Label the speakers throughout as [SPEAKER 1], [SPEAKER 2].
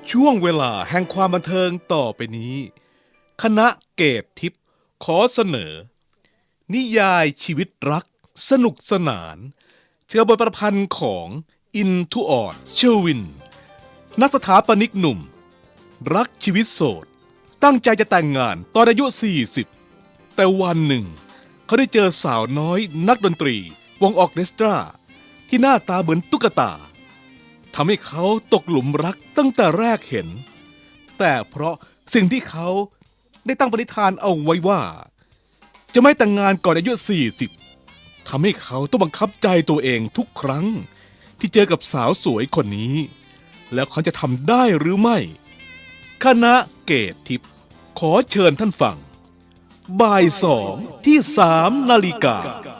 [SPEAKER 1] ช่วงเวลาแห่งความบันเทิงต่อไปนี้คณะเกตทิพย์ขอเสนอ นิยายชีวิตรักสนุกสนานเชื่อบทประพันธ์ของอินทุออดเชอร์วินนักสถาปนิกหนุ่มรักชีวิตโสดตั้งใจจะแต่งงานตอนอายุ 40 แต่วันหนึ่งเขาได้เจอสาวน้อยนักดนตรีวงออร์เคสตราที่หน้าตาเหมือนตุ๊กตาทำให้เขาตกหลุมรักตั้งแต่แรกเห็นแต่เพราะสิ่งที่เขาได้ตั้งปณิธานเอาไว้ว่าจะไม่แต่งงานก่อนอายุ 40 ทำให้เขาต้องบังคับใจตัวเองทุกครั้งที่เจอกับสาวสวยคนนี้แล้วเขาจะทำได้หรือไม่คณะเกตทิพย์ขอเชิญท่านฟังบ่าย2ที่3 นาฬิกา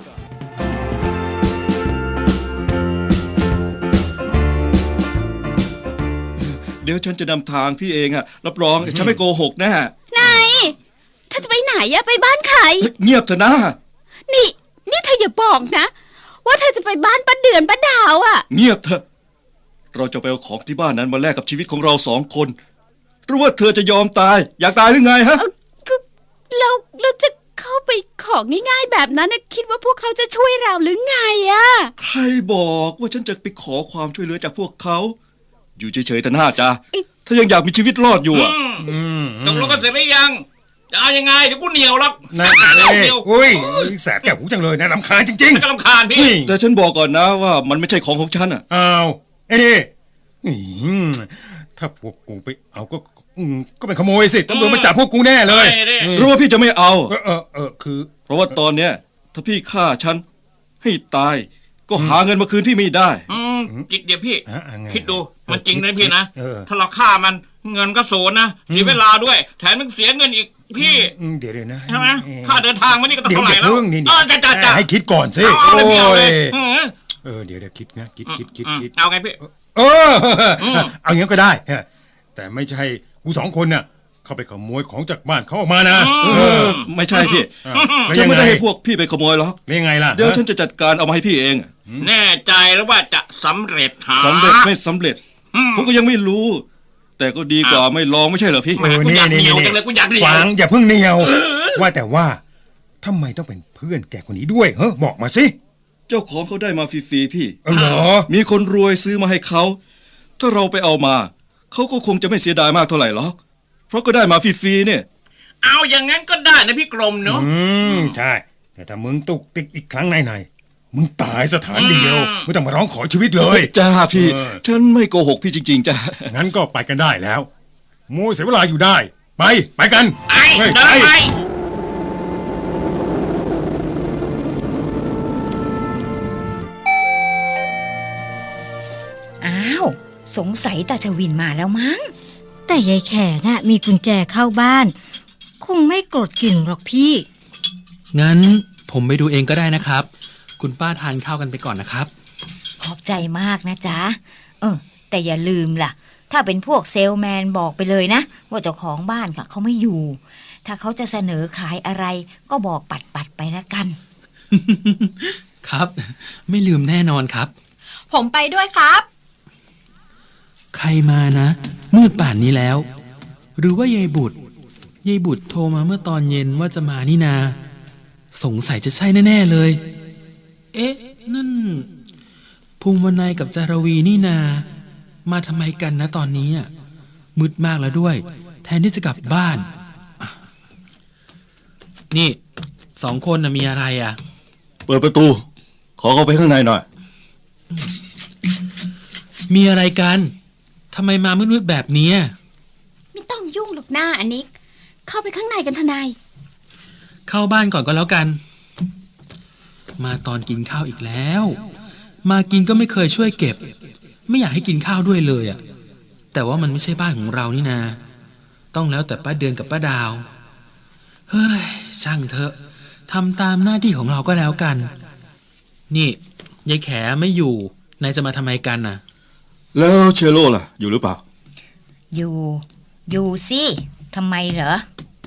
[SPEAKER 2] เดี๋ยวฉันจะนำทางพี่เองอะรับรองฉันไม่โกหกแน่
[SPEAKER 3] ไหนเธอจะไปไหนอะไปบ้านใคร
[SPEAKER 2] เงียบเถอะนะ
[SPEAKER 3] นี่เธออย่าบอกนะว่าเธอจะไปบ้านป้าเดือนป้าดาวอะ
[SPEAKER 2] เงียบเถอะเราจะไปเอาของที่บ้านนั้นมาแลกกับชีวิตของเรา2 คนหรือว่าเธอจะยอมตายอยากตายหรือไงฮะ
[SPEAKER 3] เราจะเข้าไปของง่ายๆแบบนั้นนะคิดว่าพวกเขาจะช่วยเราหรือไงอะ
[SPEAKER 2] ใครบอกว่าฉันจะไปขอความช่วยเหลือจากพวกเขาอยู่เฉยๆแต่หน้าจ้าถ้ายังอยากมีชีวิตรอดอยู่อ่ะ
[SPEAKER 4] ตกลงกันเสร็จหรือยังจะเอายังไงเดี๋ยวกูเหนียวหรอก
[SPEAKER 5] นั่นเองอุ้ยแสบแก่หูจังเลยนะรำคาญจริง
[SPEAKER 4] ๆรำคาญพี่
[SPEAKER 2] แต่ฉันบอกก่อนนะว่ามันไม่ใช่ของฉันอ่ะ
[SPEAKER 5] อ้าวไอ้นี่ถ้าพวกกูไปเอาก็เป็นขโมยสิตำรวจมาจับพวกกูแน่เลย
[SPEAKER 2] รู้ว่าพี่จะไม่เอา
[SPEAKER 5] คือ
[SPEAKER 2] เพราะว่าตอนเนี้ยถ้าพี่ฆ่าฉันให้ตายก็หาเงินมาคืนพี่ไม่ได้
[SPEAKER 4] จิตเดี๋ยวพี่คิดดูมันจริงนะพี่นะถ้าเราฆ่ามันเงินก็สูญนะเสียเวลาด้วยแถมยังเสียเงินอีกพี่
[SPEAKER 5] เดี๋ยวนะ
[SPEAKER 4] ใช่ไหมค่าเดินทางมันนี่ก็ต้องเท่าไหร่แล้ว
[SPEAKER 5] จ้าให้คิดก่อนสิ
[SPEAKER 4] โอ้ย
[SPEAKER 5] เดี๋ยวคิดนะคิด
[SPEAKER 4] เอาไงพี่
[SPEAKER 5] เอาอย่างนี้ก็ได้แต่ไม่ใช่กู2 คนน่ะเข้าไปขโมยของจากบ้านเขาออกมานะ
[SPEAKER 2] ไม่ใช่พี่ฉันไม่ได้ให้พวกพี่ไปขโมยหรอก
[SPEAKER 5] ยังไงล่ะ
[SPEAKER 2] เดี๋ยวฉันจะจัดการเอามาให้พี่เอง
[SPEAKER 4] แน่ใจแล้วว่าจะสำเร็จ
[SPEAKER 2] สำเร็จไม่สำเร็จผมก็ยังไม่รู้แต่ก็ดีกว่าไม่ลองไม่ใช่เหรอพี่
[SPEAKER 4] กูอยากเหนียวจังเลยกูอยากเหนียว
[SPEAKER 5] ฟังอย่าเพิ่งเหนียวว่าแต่ว่าทำไมต้องเป็นเพื่อนแกคนนี้ด้วยบอกมาสิ
[SPEAKER 2] เจ้าของเขาได้มาฟรีๆพี่
[SPEAKER 5] เหรอ
[SPEAKER 2] มีคนรวยซื้อมาให้เขาถ้าเราไปเอามาเขาก็คงจะไม่เสียดายมากเท่าไหร่หรอกเพราะก็ได้มาฟรีๆเนี่ย
[SPEAKER 4] เอาอย่างงั้นก็ได้นะพี่กรมเนาะ
[SPEAKER 5] ใช่แต่ถ้ามึงตุกติกอีกครั้งไหนมึงตายสถานเดียวไม่ต้องมาร้องขอชีวิตเลย
[SPEAKER 2] จ้าพี่ฉันไม่โกหกพี่จริงๆจ้า
[SPEAKER 5] งั้นก็ไปกันได้แล้วโม่เสียเวลาอยู่ได้ไปกัน
[SPEAKER 4] ไป
[SPEAKER 3] อ้าวสงสัยตาชวินมาแล้วมั้ง
[SPEAKER 6] แต่ยายแขน่ะมีกุญแจเข้าบ้านคงไม่โกรธกลิ่นหรอกพี่
[SPEAKER 7] งั้นผมไปดูเองก็ได้นะครับคุณป้าทานข้าวกันไปก่อนนะครับ
[SPEAKER 3] ขอบใจมากนะจ๊ะแต่อย่าลืมล่ะถ้าเป็นพวกเซลแมนบอกไปเลยนะว่าเจ้าของบ้านค่ะเขาไม่อยู่ถ้าเขาจะเสนอขายอะไรก็บอกปัดไปแล้วกัน
[SPEAKER 7] ครับไม่ลืมแน่นอนครับ
[SPEAKER 8] ผมไปด้วยครับ
[SPEAKER 7] ใครมานะมืดป่านนี้แล้วหรือว่ายายบุตรโทรมาเมื่อตอนเย็นว่าจะมานี่นาสงสัยจะใช่แน่ๆเลยเอ๊ะนั่นภูมิวรรณัยกับจารวีนี่นามาทำไมกันนะตอนนี้อ่ะมืดมากแล้วด้วยแทนที่จะกลับบ้านนี่2 คนน่ะมีอะไรอ่ะ
[SPEAKER 2] เปิดประตูขอเข้าไปข้างในหน่อย
[SPEAKER 7] มีอะไรกันทำไมมามืดๆแบบนี้
[SPEAKER 3] ไม่ต้องยุ่งหรอกหน้าอันนี้เข้าไปข้างในกันทนาย
[SPEAKER 7] เข้าบ้านก่อนก็แล้วกันมาตอนกินข้าวอีกแล้วมากินก็ไม่เคยช่วยเก็บไม่อยากให้กินข้าวด้วยเลยอ่ะแต่ว่ามันไม่ใช่บ้านของเรานี่นาต้องแล้วแต่ป้าเดือนกับป้าดาวเฮ้ยช่างเถอะทำตามหน้าที่ของเราก็แล้วกันนี่ยายแขไม่อยู่นายจะมาทำไมกันน่ะ
[SPEAKER 2] แล้วเชโร่ล่ะอยู่หรือเปล่า
[SPEAKER 3] อยู่สิทำไมเหรอ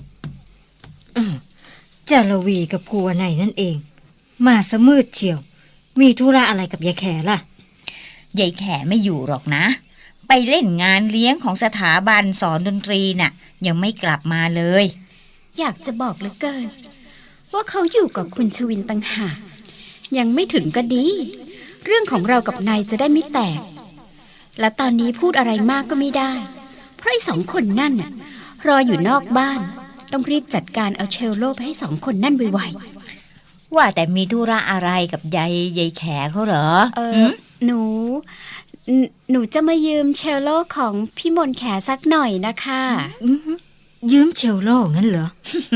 [SPEAKER 6] จารวีกับภูวนัยนั่นเองมาซะมืดเชียวมีธุระอะไรกับยายแขล่ะ
[SPEAKER 3] ยายแขไม่อยู่หรอกนะไปไปเล่นงานเลี้ยงของสถาบันสอนดนตรีน่ะยังไม่กลับมาเลย
[SPEAKER 9] อยากจะบอกเหลือเกิน ว่าเขาอยู่กับคุณชวินต่างหากยังไม่ถึงก็ดี เรื่องของเรากับนายจะได้ไม่แตก และตอนนี้พูดอะไรมากก็ไม่ได้ เพราะไอ้สองคนนั่นน่ะรออยู่นอกบ้านต้องรีบจัดการเอาเชลโลไปให้สองคนนั่นไว
[SPEAKER 3] ว่าแต่มีธุระอะไรกับยายแขเขาเหรอ
[SPEAKER 9] ๆหนูจะมายืมเชลโลของพี่มนต์แขสักหน่อยนะคะ
[SPEAKER 6] ยืมเชลโลงั้นเหรอ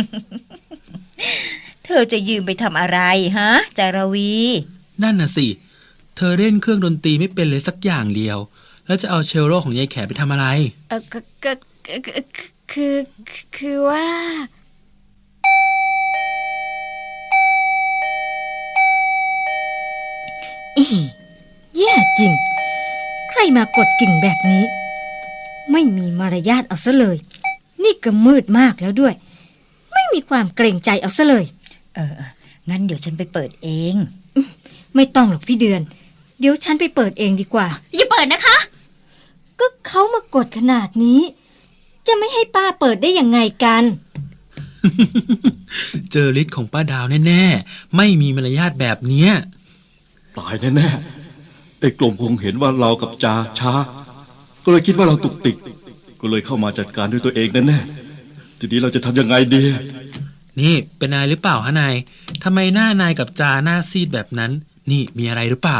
[SPEAKER 3] เธอจะยืมไปทำอะไรฮะจารวี
[SPEAKER 7] นั่นน่ะสิ เธอเล่นเครื่องดนตรีไม่เป็นเลยสักอย่างเดียว แล้วจะเอาเชลโลของยายแขไปทำอะไร
[SPEAKER 9] คือว่า
[SPEAKER 6] แย่จริง ใครมากดกิ่งแบบนี้ ไม่มีมารยาทเอาซะเลย นี่ก็มืดมากแล้วด้วย ไม่มีความเกรงใจเอาซะเลย
[SPEAKER 3] งั้นเดี๋ยวฉันไปเปิดเอง
[SPEAKER 6] ไม่ต้องหรอกพี่เดือน เดี๋ยวฉันไปเปิดเองดีกว่า
[SPEAKER 9] อย่าเปิดนะคะ
[SPEAKER 6] ก็เขามากดขนาดนี้ จะไม่ให้ป้าเปิดได้ยังไงกัน
[SPEAKER 7] เจอฤทธิ์ของป้าดาวแน่ๆ ไม่มีมารยาทแบบเนี้ย
[SPEAKER 2] ตายแน่ๆไอ้กลมคงเห็นว่าเรากับจาช้า ก็เลยคิดว่าเราตุกติก ก็เลยเข้ามาจัดการด้วยตัวเองแน่ๆทีนี้เราจะทำยังไงดี
[SPEAKER 7] นี่เป็นนายหรือเปล่าฮะนายทำไมหน้านายกับจาหน้าซีดแบบนั้น นี่มีอะไรหรือเปล่า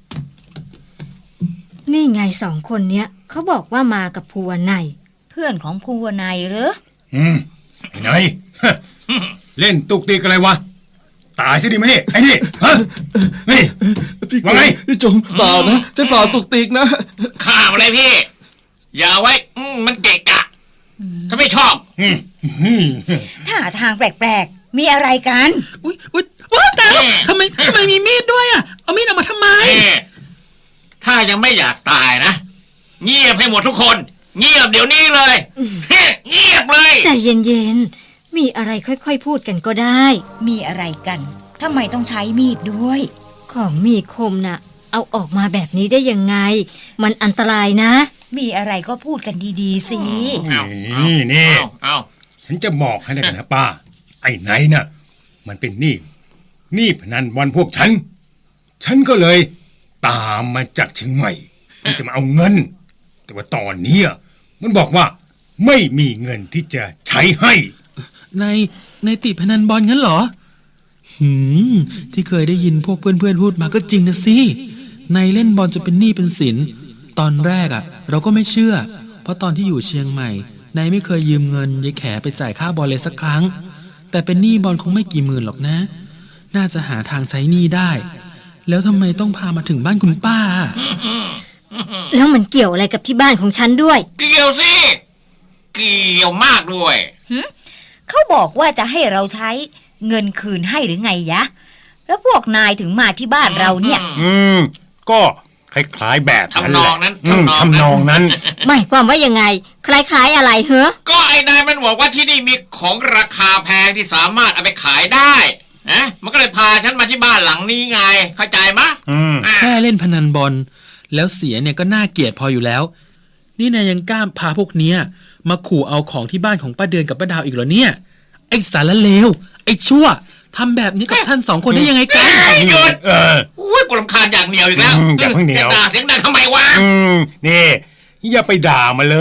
[SPEAKER 6] นี่ไงสองคนเนี้ยเขาบอกว่ามากับภูวนัย
[SPEAKER 3] เพื่อนของภูวนายเหรอ
[SPEAKER 5] ไง เล่นตุกติกอะไรวะ ตายสิดิมานี่ไอ้นี่ฮะนี่ว่าไง
[SPEAKER 2] พี่จงเปล่านะจะเปล่าตุกติกนะ
[SPEAKER 4] ข้ามอะไรพี่ อย่าไว้มันเกะกะ ถ้าไม่ชอบ
[SPEAKER 3] ท่าทางแปลกๆ มีอะไรกัน
[SPEAKER 7] อุ๊ยว้าวแต่ทำไมมีมีดด้วยอ่ะ เอามีดออกมาทำไม
[SPEAKER 4] ถ้ายังไม่อยากตายนะ เงียบให้หมดทุกคน เงียบเดี๋ยวนี้เลย เงียบเลย
[SPEAKER 6] ใจเย็นๆ มีอะไรค่อยๆพูดกันก็ได้
[SPEAKER 3] มีอะไรกันทำไมต้องใช้มีดด้วย
[SPEAKER 6] ของมีคมน่ะ เอาออกมาแบบนี้ได้ยังไง มันอันตรายนะ
[SPEAKER 3] มีอะไรก็พูดกันดีๆสิ
[SPEAKER 5] นี่
[SPEAKER 4] เอา
[SPEAKER 5] ฉันจะบอกให้นะป้า ไอ้ไหนน่ะ มันเป็นหนี้พนันบอลพวกฉันก็เลยตามมาจากเชียงใหม่เพื่อจะมาเอาเงิน แต่ว่าตอนนี้มันบอกว่าไม่มีเงินที่จะใช้ให้
[SPEAKER 7] ในติดพนันบอลงั้นเหรอ ที่เคยได้ยินพวกเพื่อนๆพูดมาก็จริงนะสินายเล่นบอลจนเป็นหนี้เป็นสิน ตอนแรกเราก็ไม่เชื่อ เพราะตอนที่อยู่เชียงใหม่นายไม่เคยยืมเงินยายแขไปจ่ายค่าบอลเลยสักครั้ง แต่เป็นหนี้บอลคงไม่กี่หมื่นหรอกนะ น่าจะหาทางใช้หนี้ได้ แล้วทำไมต้องพามาถึงบ้านคุณป้า
[SPEAKER 6] แล้วมันเกี่ยวอะไรกับที่บ้านของฉันด้วย
[SPEAKER 4] เกี่ยวสิ เกี่ยวมากด้วย
[SPEAKER 3] เขาบอกว่าจะให้เราใช้เงินคืนให้หรือไงยะ แล้วพวกนายถึงมาที่บ้านเราเนี่ย
[SPEAKER 5] ก็คล้ายๆแบบนั้นแหละ
[SPEAKER 4] ทำนองนั้น
[SPEAKER 5] ทำนองนั้น
[SPEAKER 6] หมายความว่ายังไง คล้ายๆอะไรเหรอ
[SPEAKER 4] ก็ไอ้นายมันบอกว่าที่นี่มีของราคาแพงที่สามารถเอาไปขายได้นะมันก็เลยพาฉันมาที่บ้านหลังนี้ไง เข้าใจมะ
[SPEAKER 7] แค่เล่นพนันบอลแล้วเสียเนี่ยก็น่าเกลียดพออยู่แล้ว นี่นายยังกล้าพาพวกเนี้ยมาขู่เอาของที่บ้านของป้าเดือนกับป้าดาวอีกเหรอเนี่ย ไอ้สารเลวไอ้ชั่วทำแบบนี้กับท่านสองคนได้ยังไงกัน
[SPEAKER 4] หยุดอุ้ยกูรำคาญอย่างเหนียวอีกแล้ว
[SPEAKER 5] อย่าเพิ่งเหนียว
[SPEAKER 4] เสียงดังทำไมวะ
[SPEAKER 5] นี่อย่าไปด่ามาเลย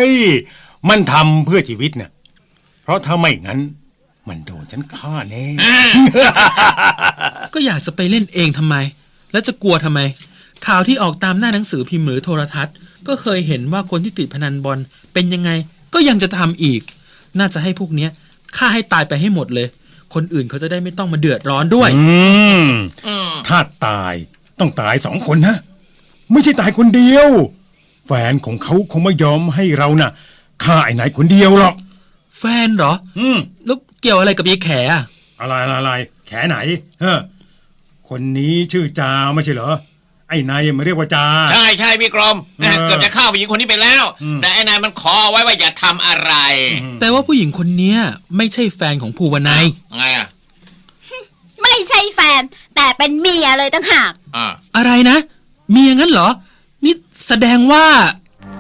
[SPEAKER 5] มันทำเพื่อชีวิตเนี่ยเพราะถ้าไม่งั้น มันโดนฉันฆ่าแน่
[SPEAKER 7] ก็อยากจะไปเล่นเองทำไม แล้วจะกลัวทำไม ข่าวที่ออกตามหน้าหนังสือพิมพ์หรือโทรทัศน์ ก็เคยเห็นว่าคนที่ติดพนันบอลเป็นยังไง ก็ยังจะทำอีก น่าจะให้พวกเนี้ยฆ่าให้ตายไปให้หมดเลย คนอื่นเขาจะได้ไม่ต้องมาเดือดร้อนด้วย
[SPEAKER 5] ถ้าตายต้องตาย2 คนนะ ไม่ใช่ตายคนเดียว แฟนของเขาคงไม่ยอมให้เราน่ะฆ่าไอ้ไหนคนเดียวหรอก
[SPEAKER 7] แฟนเหรอ แล้วเกี่ยวอะไรกับยายแขอะ
[SPEAKER 5] อะไรแขไหนคนนี้ชื่อจาไม่ใช่เหรอ ไอ้นายมาเรียกว่าจา
[SPEAKER 4] ใช่พี่กรมเกือบจะฆ่าผู้หญิงคนนี้ไปแล้ว แต่ไอ้นายมันขอเอาไว้ว่าอย่าทำอะไร
[SPEAKER 7] แต่ว่าผู้หญิงคนเนี้ยไม่ใช่แฟนของภูวนัย
[SPEAKER 4] ไงอ่ะ
[SPEAKER 9] ไม่ใช่แฟน แต่เป็นเมียเลยต่างหาก
[SPEAKER 7] อะไรนะ มีอย่างนั้นเหรอ นี่แสดงว่า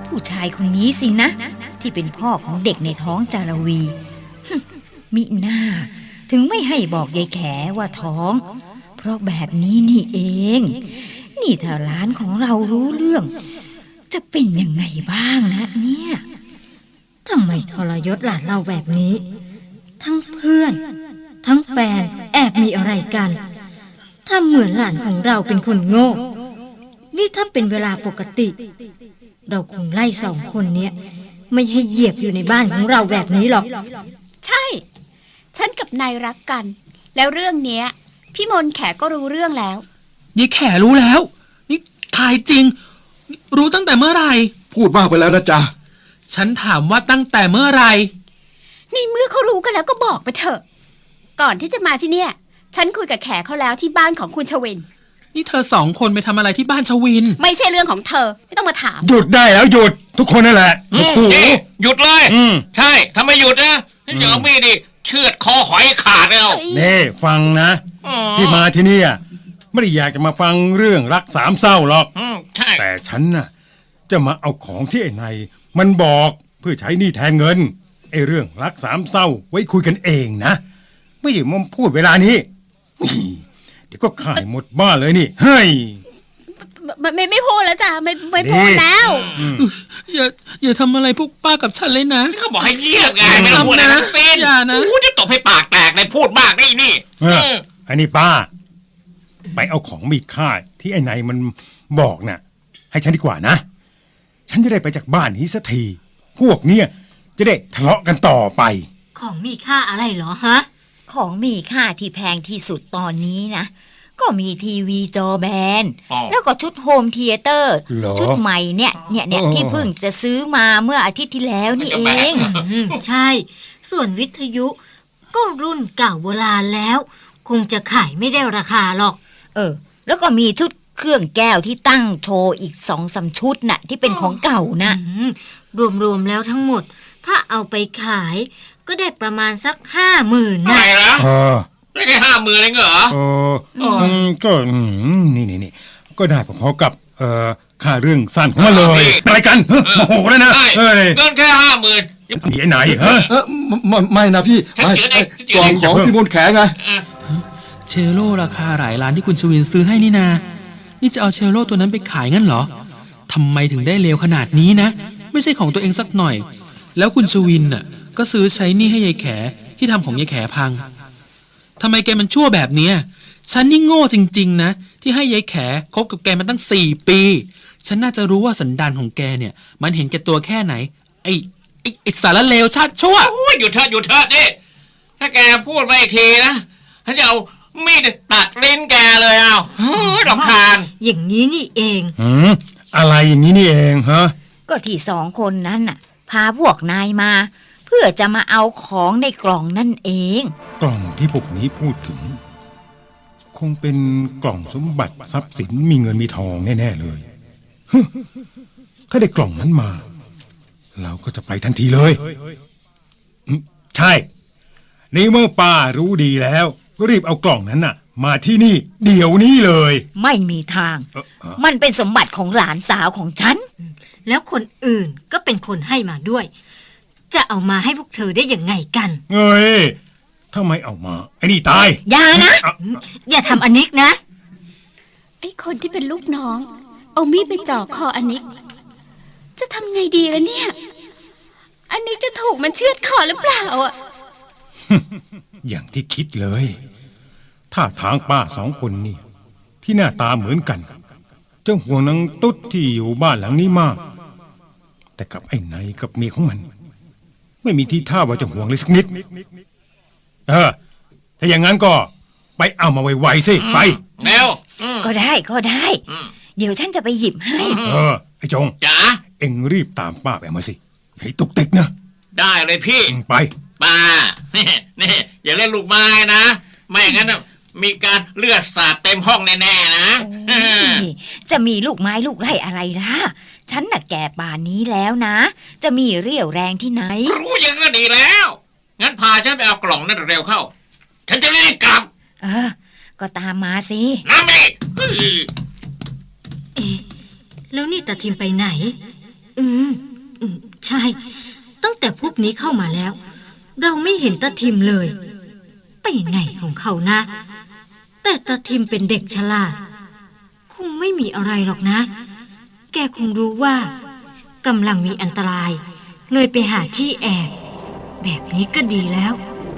[SPEAKER 3] ผู้ชายคนนี้สินะ ที่เป็นพ่อของเด็กในท้องจารวี มิน่าถึงไม่ให้บอกยายแขว่าท้อง เพราะแบบนี้นี่เอง นี่ถ้าหลานของเรารู้เรื่อง จะเป็นยังไงบ้างนะเนี่ย
[SPEAKER 6] ทำไมทรยศหลานเราแบบนี้ ทั้งเพื่อน ทั้งแฟนแอบมีอะไรกันทำเหมือนหลานของเราเป็นคนโง่ นี่ถ้าเป็นเวลาปกติ เราคงไล่สองคนเนี้ยไม่ให้เหยียบอยู่ในบ้านของเราแบบนี้หรอก
[SPEAKER 9] ใช่ ฉันกับนายรักกัน แล้วเรื่องเนี้ย พี่มนต์แขก็รู้เรื่องแล้ว
[SPEAKER 7] ยายแขรู้แล้ว นี่ทายจริง รู้ตั้งแต่เมื่อไหร่
[SPEAKER 2] พูดมากไปแล้วนะจ๊ะ
[SPEAKER 7] ฉันถามว่าตั้งแต่เมื่อไหร่
[SPEAKER 9] ในเมื่อเขารู้กันแล้วก็บอกไปเถอะ ก่อนที่จะมาที่เนี่ย ฉันคุยกับแขเขาแล้วที่บ้านของคุณชวิน
[SPEAKER 7] นี่เธอสองคนไปทำอะไรที่บ้านชวิน
[SPEAKER 9] ไม่ใช่เรื่องของเธอ ไม่ต้องมาถาม
[SPEAKER 5] หยุดได้แล้วหยุดทุกคนนั่นแหละโอ้โห
[SPEAKER 4] นี่หยุดเลย
[SPEAKER 5] อืม
[SPEAKER 4] ใช่ถ้าไม่หยุดนะเดี๋ยวเอามีดดิเชือดคอหอยขาดแล้ว
[SPEAKER 5] นี่ฟังนะ ที่มาที่นี่ไม่ได้อยากจะมาฟังเรื่องรักสามเศร้าหรอก
[SPEAKER 4] ใช่
[SPEAKER 5] แต่ฉันน่ะจะมาเอาของที่ไอ้นายมันบอกเพื่อใช้หนี้แทนเงินไอ้เรื่องรักสามเศร้าไว้คุยกันเองนะ ไม่ใช่มาพูดเวลานี้เดี๋ยวก็ขายหมดบ้านเลยนี่เฮ้ย
[SPEAKER 9] ไม่พูดแล้วจ้ะไม่พูดแล้ว
[SPEAKER 7] อย่าทำอะไรพวกป้ากับฉันเลยนะ
[SPEAKER 4] เขาบอกให้เงียบไงไม่ต้องพูดอะไรทั้งสิ้น
[SPEAKER 7] อย่านะ
[SPEAKER 4] โอ้จะตบให้ปากแตกเลยพูดมากนี่
[SPEAKER 5] อันนี้ป้า ไปเอาของมีค่าที่ไอ้นายมันบอกน่ะ ให้ฉันดีกว่านะ ฉันจะได้ไปจากบ้านนี้สักที พวกเนี้ยจะได้ทะเลาะกันต่อไป
[SPEAKER 6] ของมีค่าอะไรเหรอฮะ
[SPEAKER 3] ของมีค่าที่แพงที่สุดตอนนี้นะ ก็มีทีวีจอแบน แล้วก็ชุดโฮมเธียเตอร์
[SPEAKER 5] เหรอ
[SPEAKER 3] ชุดใหม่เนี่ยที่เพิ่งจะซื้อมาเมื่ออาทิตย์ที่แล้วนี่เอง
[SPEAKER 6] ใช่ ส่วนวิทยุก็รุ่นเก่าโบราณแล้ว คงจะขายไม่ได้ราคาหรอก
[SPEAKER 3] แล้วก็มีชุดเครื่องแก้วที่ตั้งโชว์อีก2-3 ชุดน่ะที่เป็นของเก่านะ
[SPEAKER 6] รวมๆแล้วทั้งหมด ถ้าเอาไปขายก็ได้ประมาณสัก 50,000
[SPEAKER 4] ไหน
[SPEAKER 6] นะ
[SPEAKER 4] ละ
[SPEAKER 5] เออ
[SPEAKER 4] ได้แค่50,000เองเหรอ
[SPEAKER 5] ก็นี่ก็ได้พอๆกับค่าเรื่องสั้นของมันเลยอะไรกันโมโหเลยนะ
[SPEAKER 4] ใช่
[SPEAKER 5] เฮ้ย
[SPEAKER 4] เงินแค่50,000
[SPEAKER 5] นี่ไอ้ไหนฮะ
[SPEAKER 2] ไม่นะพี่
[SPEAKER 4] ฉัน
[SPEAKER 2] ไม่
[SPEAKER 4] เขียนเองฉันเขี
[SPEAKER 2] ก
[SPEAKER 4] ย
[SPEAKER 2] ล่
[SPEAKER 4] น
[SPEAKER 2] อง
[SPEAKER 4] เอง
[SPEAKER 2] ของพี่มนต์แขไง
[SPEAKER 7] เชลโลราคาหลายล้านที่คุณชวินซื้อให้นี่นา นี่จะเอาเชลโลตัวนั้นไปขายงั้นเหรอทำไมถึงได้เลวขนาดนี้นะ ไม่ใช่ของตัวเองสักหน่อย แล้วคุณชวินน่ะก็ซื้อใช้หนี่ให้ยายแขที่ทำของยายแขพังทำไมแกมันชั่วแบบเนี้ยฉันนี่โง่จริงๆนะที่ให้ยายแขคบกับแกมาตั้ง4 ปี ฉันน่าจะรู้ว่าสันดานของแกเนี่ย มันเห็นแก่ตัวแค่ไหน ไอ้สารเลวชาติชั่ว
[SPEAKER 4] โอ้ยหยุดเถอะดิถ้าแกพูดไปอีกทีนะฉันจะเอามีดตัดลิ้นแกเลยเอาเฮ้ยรำคาญ
[SPEAKER 6] อย่างนี้นี่เอง
[SPEAKER 5] อะไรอย่างนี้นี่เองฮะ
[SPEAKER 3] ก็ที่2 คนนั้นน่ะพาพวกนายมา เพื่อจะมาเอาของในกล่องนั่นเอง
[SPEAKER 5] กล่องที่พวกนี้พูดถึง คงเป็นกล่องสมบัติทรัพย์สินมีเงินมีทองแน่ๆเลยฮึถ้าได้กล่องนั้นมา เราก็จะไปทันทีเลยใช่ในเมื่อป้ารู้ดีแล้วก็รีบเอากล่องนั้นน่ะ มาที่นี่ เดี๋ยวนี้เลย
[SPEAKER 3] ไม่มีทาง มันเป็นสมบัติของหลานสาวของฉัน
[SPEAKER 6] แล้วคนอื่นก็เป็นคนให้มาด้วย จะเอามาให้พวกเธอได้ยังไงกัน
[SPEAKER 5] เอ้ยถ้าไม่เอามาไอ้นี่ตาย
[SPEAKER 3] อย่านะ
[SPEAKER 6] อย่าทำอันนิกนะ
[SPEAKER 9] ไอ้คนที่เป็นลูกน้อง เอามีดไปจ่อคออันนิก จะทำไงดีล่ะเนี่ย อันนี้จะถูกมันเชือดคอหรือเปล่าอ่ะ
[SPEAKER 5] อย่างที่คิดเลยถ้าทางป้า2 คนนี่ที่หน้าตาเหมือนกันจะห่วงนางตุ๊ดที่อยู่บ้านหลังนี้มาก แต่กับไอ้ไหนกับเมียของมัน ไม่มีทีท่าว่าจะห่วงเลยสักนิดถ้าอย่างนั้นก็ไปเอามาไวๆสิไป
[SPEAKER 4] เร็ว
[SPEAKER 3] ก็ได้ เดี๋ยวฉันจะไปหยิบให้
[SPEAKER 5] ไอ้จง
[SPEAKER 4] จ๋า
[SPEAKER 5] เอ็งรีบตามป้าไปเอามาสิให้ตุกติกนะ
[SPEAKER 4] ได้เลยพี่
[SPEAKER 5] ไป
[SPEAKER 4] ป้า นี่อย่าเล่นลูกไม้นะ ไม่อย่างนั้นน่ะมีการเลือดสาดเต็มห้องแน่ๆนะ
[SPEAKER 3] จะมีลูกไม้ลูกไร่อะไรล่ะ ฉันน่ะแก่ป่านนี้แล้วนะ จะมีเรี่ยวแรงที่ไหน
[SPEAKER 4] รู้อยังก็ดีแล้ว งั้นพาฉันไปเอากล่องนั่นเร็วเข้า ฉันจะรีบกลับ
[SPEAKER 3] ก็ตามมาสิ
[SPEAKER 4] น้ำนี่
[SPEAKER 6] แล้วนี่ตาทิมไปไหนอืมใช่ ตั้งแต่พวกนี้เข้ามาแล้ว เราไม่เห็นตาทิมเลย ไปไหนของเขานะ แต่ตาทิมเป็นเด็กฉลาดคงไม่มีอะไรหรอกนะ แกคงรู้ว่ากำลังมีอันตราย เลยไปหาที่แอบ แบบนี้ก็ดีแล้ว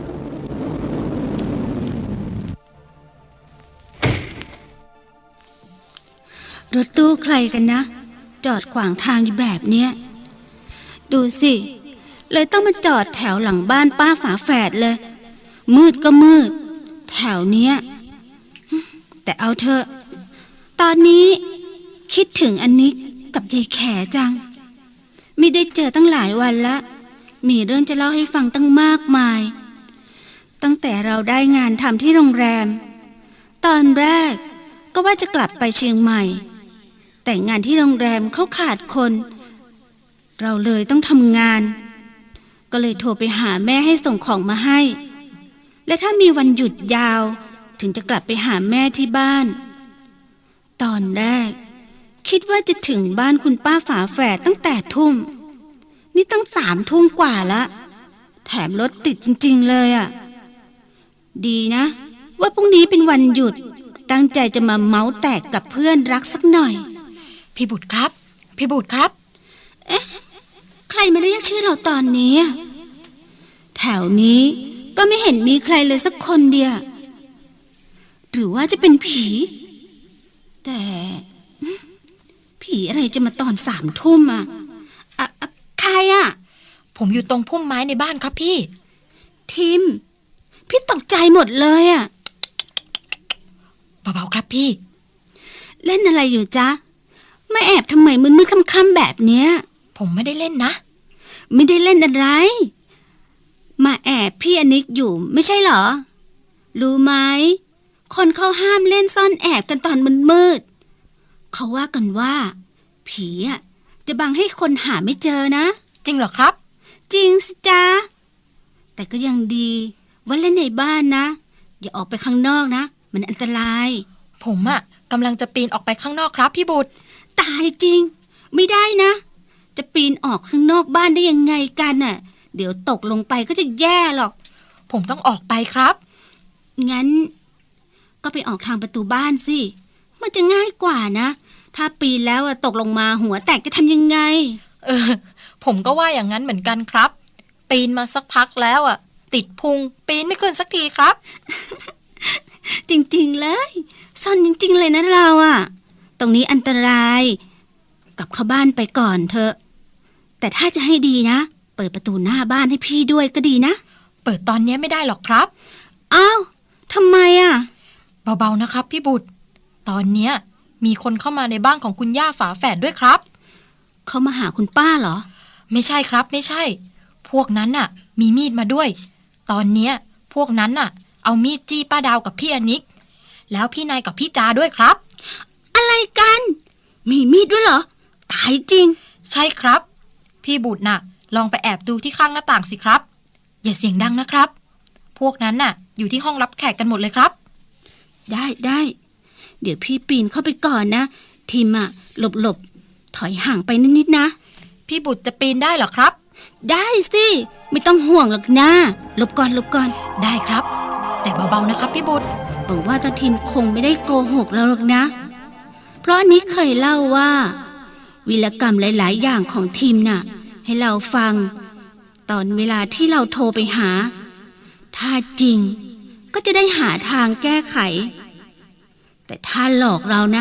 [SPEAKER 9] รถตู้ใครกันนะ จอดขวางทางอยู่แบบเนี้ยดูสิ เลยต้องมาจอดแถวหลังบ้านป้าฝาแฝดเลย มืดก็มืด แถวเนี้ยแต่เอาเถอะ ตอนนี้คิดถึงอันนี้กับยายแขจัง ไม่ได้เจอตั้งหลายวันละมีเรื่องจะเล่าให้ฟังตั้งมากมาย ตั้งแต่เราได้งานทำที่โรงแรม ตอนแรกก็ว่าจะกลับไปเชียงใหม่แต่งานที่โรงแรมเขาขาดคน เราเลยต้องทำงาน ก็เลยโทรไปหาแม่ให้ส่งของมาให้ และถ้ามีวันหยุดยาวถึงจะกลับไปหาแม่ที่บ้าน ตอนแรกคิดว่าจะถึงบ้านคุณป้าฝาแฝดตั้งแต่ทุ่มนี่ตั้ง3 ทุ่มกว่าละแถมรถติดจริงๆเลยอ่ะดีนะว่าพรุ่งนี้เป็นวันหยุดตั้งใจจะมาเมาส์แตกกับเพื่อนรักสักหน่อย
[SPEAKER 8] พี่บุตรครับพี่บุตรครับ
[SPEAKER 9] เอ๊ะใครมาเรียกชื่อเราตอนนี้แถวนี้ก็ไม่เห็นมีใครเลยสักคนเดียวหรือว่าจะเป็นผีแต่ผีอะไรจะมาตอน3 ทุ่มอ่ะใครอ่ะ
[SPEAKER 8] ผมอยู่ตรงพุ่มไม้ในบ้านครับพี่
[SPEAKER 9] ทิมพี่ตกใจหมดเลยอ่ะ
[SPEAKER 8] เบาๆครับพี่
[SPEAKER 9] เล่นอะไรอยู่จ๊ะมาแอบทำไมมืดๆค่ำๆแบบเนี้ย
[SPEAKER 8] ผมไม่ได้เล่นนะ
[SPEAKER 9] ไม่ได้เล่นอะไรมาแอบพี่อนิกอยู่ไม่ใช่เหรอรู้ไหมคนเขาห้ามเล่นซ่อนแอบกันตอนมืดๆเขาว่ากันว่าผีอ่ะจะบังให้คนหาไม่เจอนะ
[SPEAKER 8] จริงเหรอครับ
[SPEAKER 9] จริงสิจ๊ะแต่ก็ยังดีว่าเล่นในบ้านนะอย่าออกไปข้างนอกนะมันอันตราย
[SPEAKER 8] ผมอ่ะกำลังจะปีนออกไปข้างนอกครับพี่บุตร
[SPEAKER 9] ตายจริงไม่ได้นะจะปีนออกข้างนอกบ้านได้ยังไงกันน่ะเดี๋ยวตกลงไปก็จะแย่หรอก
[SPEAKER 8] ผมต้องออกไปครับ
[SPEAKER 9] งั้นก็ไปออกทางประตูบ้านสิมันจะง่ายกว่านะถ้าปีนแล้วตกลงมาหัวแตกจะทำยังไง
[SPEAKER 8] ผมก็ว่าอย่างนั้นเหมือนกันครับปีนมาสักพักแล้วติดพุงปีนไม่ขึ้นสักทีครับ
[SPEAKER 9] จริงๆเลยซ่อนจริงๆเลยนะเราตรงนี้อันตรายกลับเข้าบ้านไปก่อนเถอะแต่ถ้าจะให้ดีนะเปิดประตูหน้าบ้านให้พี่ด้วยก็ดีนะ
[SPEAKER 8] เปิดตอนนี้ไม่ได้หรอกครับ
[SPEAKER 9] อ้าวทำไม
[SPEAKER 8] เบาๆนะครับพี่บุตรตอนเนี้ยมีคนเข้ามาในบ้านของคุณย่าฝาแฝดด้วยครับ
[SPEAKER 9] เขามาหาคุณป้าเหรอ
[SPEAKER 8] ไม่ใช่ครับไม่ใช่พวกนั้นน่ะมีมีดมาด้วยตอนเนี้ยพวกนั้นน่ะเอามีดจี้ป้าดาวกับพี่อนิกแล้วพี่นายกับพี่จาด้วยครับ
[SPEAKER 9] อะไรกันมีมีดด้วยเหรอตายจริง
[SPEAKER 8] ใช่ครับพี่บุตรน่ะลองไปแอบดูที่ข้างหน้าต่างสิครับอย่าเสียงดังนะครับพวกนั้นน่ะอยู่ที่ห้องรับแขกกันหมดเลยครับ
[SPEAKER 9] ได้เดี๋ยวพี่ปีนเข้าไปก่อนนะทีมหลบถอยห่างไปนิดๆนะ
[SPEAKER 8] พี่บุตรจะปีนได้เหรอครับ
[SPEAKER 9] ได้สิไม่ต้องห่วงหรอกนะหลบก่อน
[SPEAKER 8] ได้ครับแต่เบาๆนะครับพี่บุตร
[SPEAKER 9] หวังว่าตาทีมคงไม่ได้โกหกเราหรอกนะเพราะอันนี้เคยเล่าว่าวีรกรรมหลายๆอย่างของทีมน่ะให้เราฟังตอนเวลาที่เราโทรไปหาถ้าจริงก็จะได้หาทางแก้ไขแต่ถ้าหลอกเรานะ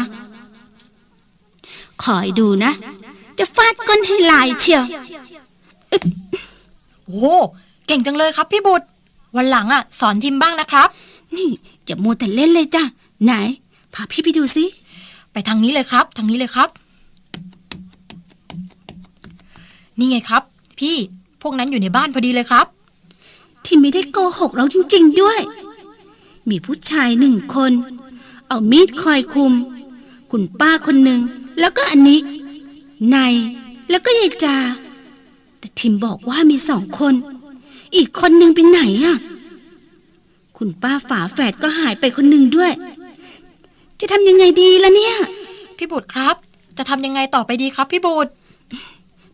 [SPEAKER 9] คอยดูนะจะฟาดก้นให้ลายเชียว
[SPEAKER 8] โอ้เก่งจังเลยครับพี่บุตรวันหลังสอนทีมบ้างนะครับ
[SPEAKER 9] นี่อย่ามัวแต่เล่นเลยจ้ะไหนพาพี่ไปดูสิ
[SPEAKER 8] ไปทางนี้เลยครับทางนี้เลยครับนี่ไงครับพี่พวกนั้นอยู่ในบ้านพอดีเลยครับ
[SPEAKER 9] ที่ไม่ได้โกหกเราจริงๆด้วยมีผู้ชาย1 คนเอามีดคอยคุมคุณป้าคนหนึ่งแล้วก็อันนิกนายแล้วก็ยายจาแต่ทิมบอกว่ามี2 คนอีกคนหนึ่งไปไหนคุณป้าฝาแฝดก็หายไปคนหนึ่งด้วยจะทำยังไงดีล่ะเนี่ย
[SPEAKER 8] พี่บุตรครับจะทำยังไงต่อไปดีครับพี่บุตร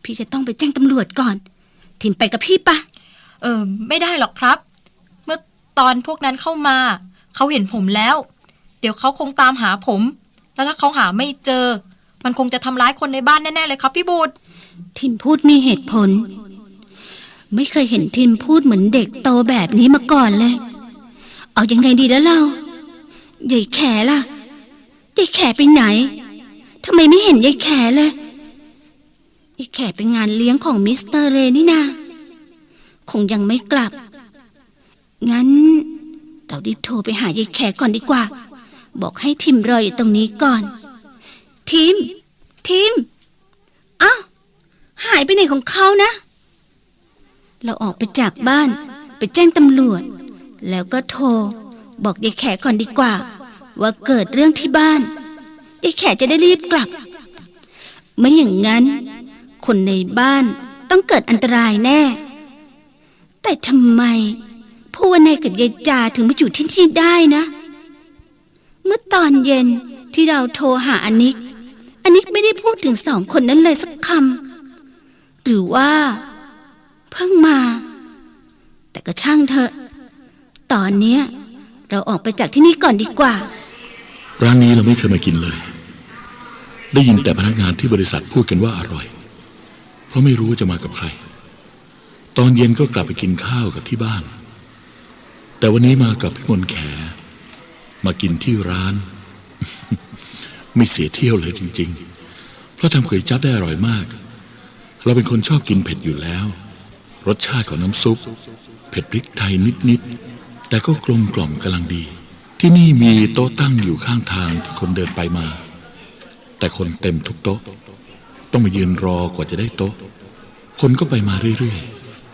[SPEAKER 9] พี่จะต้องไปแจ้งตำรวจก่อนทิมไปกับพี่ปะ
[SPEAKER 8] ไม่ได้หรอกครับ เมื่อตอนพวกนั้นเข้ามาเขาเห็นผมแล้ว เดี๋ยวเขาคงตามหาผม แล้วถ้าเขาหาไม่เจอ มันคงจะทำร้ายคนในบ้านแน่ๆเลยครับพี่บูด
[SPEAKER 9] ทิมพูดมีเหตุผล ไม่เคยเห็นทิมพูดเหมือนเด็กโตแบบนี้มาก่อนเลย เอายังไงดีแล้วเรายายแขล่ะยายแขไปไหนทำไมไม่เห็นยายแขเลยยายแขไปงานเลี้ยงของมิสเตอร์เรนี่นาคงยังไม่กลับงั้นเรารีบโทรไปหายายแขก่อนดีกว่าบอกให้ทิมรออยู่ตรงนี้ก่อนทิมอ้าวหายไปไหนของเขานะเราออกไปจากบ้านไปแจ้งตำรวจแล้วก็โทรบอกยายแขก่อนดีกว่าว่าเกิดเรื่องที่บ้านยายแขจะได้รีบกลับไม่อย่างนั้นคนในบ้านต้องเกิดอันตรายแน่แต่ทำไมพ่อวันนายกับยายจาถึงมาอยู่ที่นี่ได้นะเมื่อตอนเย็นที่เราโทรหาอนิกไม่ได้พูดถึงสองคนนั้นเลยสักคำหรือว่าเพิ่งมาแต่ก็ช่างเถอะตอนเนี้ยเราออกไปจากที่นี่ก่อนดีกว่า
[SPEAKER 2] ร้านนี้เราไม่เคยมากินเลย ได้ยินแต่พนักงานที่บริษัทพูดกันว่าอร่อยเพราะไม่รู้ว่าจะมากับใครตอนเย็นก็กลับไปกินข้าวกับที่บ้านแต่วันนี้มากับพี่มนต์แขมากินที่ร้าน ไม่เสียเที่ยวเลยจริงๆเพราะทำก๋วยจั๊บได้อร่อยมากเราเป็นคนชอบกินเผ็ดอยู่แล้วรสชาติของน้ำซุปเผ็ดพริกไทยนิดๆแต่ก็กลมกล่อมกำลังดีที่นี่มีโต๊ะตั้งอยู่ข้างทางที่คนเดินไปมาแต่คนเต็มทุกโต๊ะต้องมายืนรอกว่าจะได้โต๊ะคนก็ไปมาเรื่อย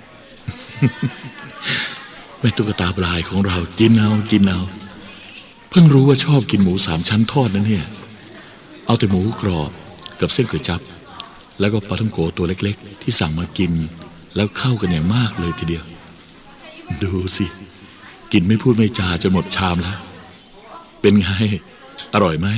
[SPEAKER 2] ๆ แม่ตุ๊กตาปลายของเรากินเอาเพิ่งรู้ว่าชอบกินหมูสามชั้นทอดนั่นเนี่ยเอาแต่หมูกรอบกับเส้นก๋วยจั๊บแล้วก็ปลาท่องโกตัวเล็กๆที่สั่งมากินแล้วเข้ากันอย่างมากเลยทีเดียวดูสิกินไม่พูดไม่จาจนหมดชามแล้วเป็นไงอร่อยไหม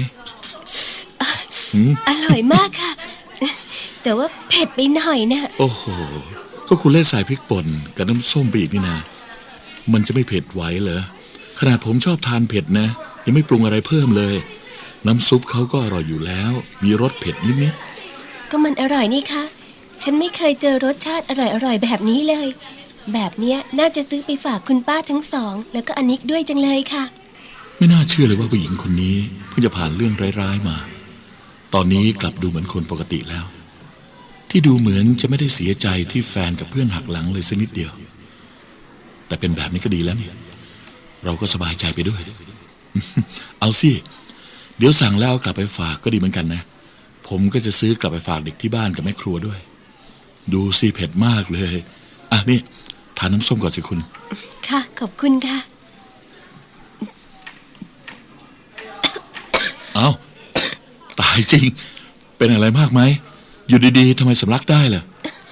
[SPEAKER 10] อร่อยมากค่ะแต่ว่าเผ็ดไปหน่อยนะ
[SPEAKER 2] โอ้โหก็คุณเล่นใส่พริกป่นกับน้ำส้มไปอีกนี่นะมันจะไม่เผ็ดไหวเหรอขนาดผมชอบทานเผ็ดนะยังไม่ปรุงอะไรเพิ่มเลยน้ำซุปเขาก็อร่อยอยู่แล้วมีรสเผ็ดนิด
[SPEAKER 10] ๆก็มันอร่อยนี่คะฉันไม่เคยเจอรสชาติอร่อยแบบนี้เลยแบบเนี้ยน่าจะซื้อไปฝากคุณป้าทั้งสองแล้วก็อนิกด้วยจังเลยค่ะ
[SPEAKER 2] ไม่น่าเชื่อเลยว่าผู้หญิงคนนี้เพิ่งจะผ่านเรื่องร้ายๆมาตอนนี้กลับดูเหมือนคนปกติแล้วที่ดูเหมือนจะไม่ได้เสียใจที่แฟนกับเพื่อนหักหลังเลยสักนิดเดียวแต่เป็นแบบนี้ก็ดีแล้วเนี่ยเราก็สบายใจไปด้วย เอาสิเดี๋ยวสั่งแล้วกลับไปฝากก็ดีเหมือนกันนะผมก็จะซื้อกลับไปฝากเด็กที่บ้านกับแม่ครัวด้วยดูสิเผ็ดมากเลยอ่ะนี่ทานน้ำส้มก่อนสิคุณ
[SPEAKER 10] ค่ะขอบคุณค่ะ
[SPEAKER 2] เอาตายจริงเป็นอะไรมากไหมอยู่ดีๆทำไมสำลักได้ล่ะ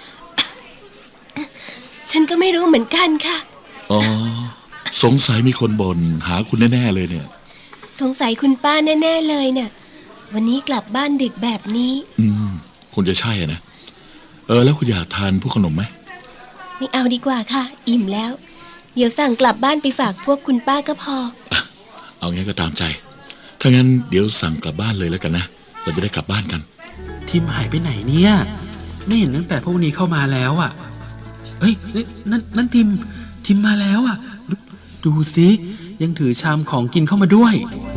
[SPEAKER 10] ฉันก็ไม่รู้เหมือนกันค่ะ
[SPEAKER 2] อ๋อสงสัยมีคนบ่นหาคุณแน่ๆเลยเนี่ย
[SPEAKER 10] สงสัยคุณป้าแน่ๆเลยเนี่ยวันนี้กลับบ้านดึกแบบนี้
[SPEAKER 2] คงจะใช่อะนะแล้วคุณอยากทานพวกขนมไหม
[SPEAKER 10] ไม่เอาดีกว่าค่ะอิ่มแล้วเดี๋ยวสั่งกลับบ้านไปฝากพวกคุณป้าก็พอ
[SPEAKER 2] เอางั้นก็ตามใจถ้างั้นเดี๋ยวสั่งกลับบ้านเลยแล้วกันนะเราจะได้กลับบ้านกัน
[SPEAKER 7] ทิมหายไปไหนเนี่ยไม่เห็นตั้งแต่พวกนี้เข้ามาแล้วอ่ะเอ้ยนั่นทิมมาแล้วอ่ะดูสิยังถือชามของกินเข้ามาด้วย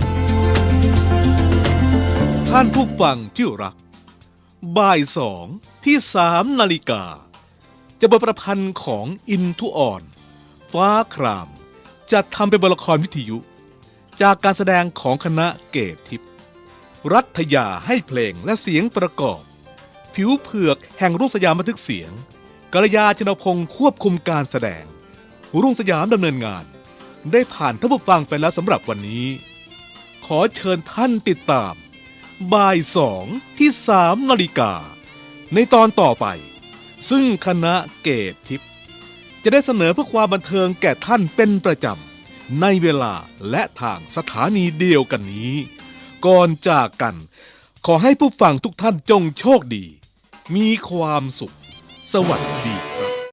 [SPEAKER 1] ท่านผู้ฟังที่รักบ่าย2ที่3 นาฬิกาจะบทประพันธ์ของอินทุอ่อนฟ้าครามจะทำเป็นบทละครวิทยุจากการแสดงของคณะเกตทิพย์รัฐยาให้เพลงและเสียงประกอบผิวเผือกแห่งรุ่งสยามบันทึกเสียงกัลยาชนพงศ์ควบคุมการแสดงรุ่งสยามดำเนินงานได้ผ่านท่านผู้ฟังไปแล้วสำหรับวันนี้ขอเชิญท่านติดตามบ่าย2ที่3 นาฬิกาในตอนต่อไปซึ่งคณะเกตทิพย์จะได้เสนอเพื่อความบันเทิงแก่ท่านเป็นประจำในเวลาและทางสถานีเดียวกันนี้ก่อนจากกันขอให้ผู้ฟังทุกท่านจงโชคดีมีความสุข สวัสดี